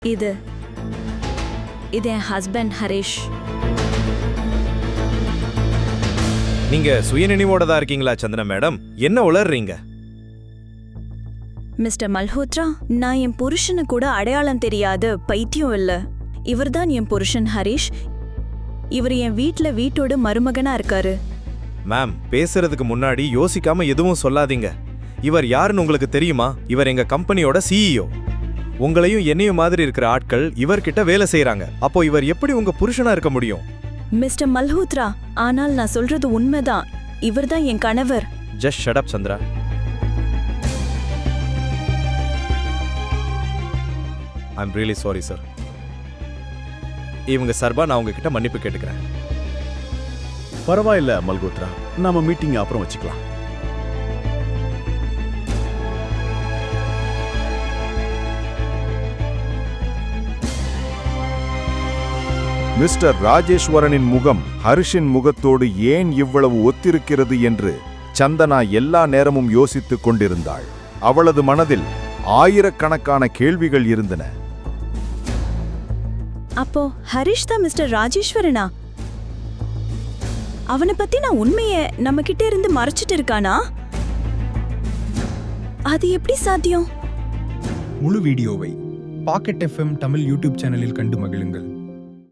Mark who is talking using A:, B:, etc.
A: இது என் ஹஸ்பண்ட் ஹரிஷ்.
B: நீங்க சுயநினைவோட தான் இருக்கீங்களா சந்தனா மேடம்? என்ன உளறீங்க?
A: மிஸ்டர் மல்ஹோத்ரா, நான் என் புருஷனு கூட அடையாளம் தெரியாத பைத்தியம் இல்ல. இவர்தான் என் புருஷன் ஹரிஷ். இவர் என் வீட்டோட மருமகனா இருக்காரு.
B: மேம், பேசுறதுக்கு முன்னாடி யோசிக்காம எதுவும் சொல்லாதீங்க. இவர் யாருன்னு உங்களுக்கு தெரியுமா? இவர் எங்க கம்பெனியோட சிஇஓ. உங்களையும் என்னையும் மாதிரி இருக்கிற ஆட்கள் இவர்கிட்ட வேலை செய்யறாங்க. அப்போ இவர் எப்படி உங்க புருஷனா இருக்க முடியும்?
A: மிஸ்டர் மல்ஹோத்ரா, ஆனால் நான் சொல்றது உண்மைதான். இவர்தான் என் கணவர்.
B: Just shut up Chandra. I'm really sorry sir. இவங்க சார்பா நான் உங்ககிட்ட மன்னிப்பு கேட்டுக்கிறேன்.
C: பரவாயில்ல மல்ஹோத்ரா, நாம மீட்டிங் அப்புறம் வச்சுக்கலாம்.
D: மிஸ்டர் ராஜேஸ்வரனின் முகம் ஹரிஷின் முகத்தோடு ஏன் இவ்வளவு ஒத்திருக்கிறது என்று சந்தனா எல்லா நேரமும் யோசித்துக் கொண்டிருந்தாள். அவளது மனதில் ஆயிரக்கணக்கான கேள்விகள் இருந்தன.
A: அப்போ ஹரிஷ் தான் மிஸ்டர் ராஜேஸ்வரனா? அவனை பத்தி நான் உண்மைய நம்ம கிட்ட இருந்து மறைச்சிட்டு இருக்கானா? அது எப்படி சாத்தியம்?
E: முழு வீடியோவை பாக்கெட் FM தமிழ் யூடியூப் சேனலில் கண்டு மகிழுங்கள்.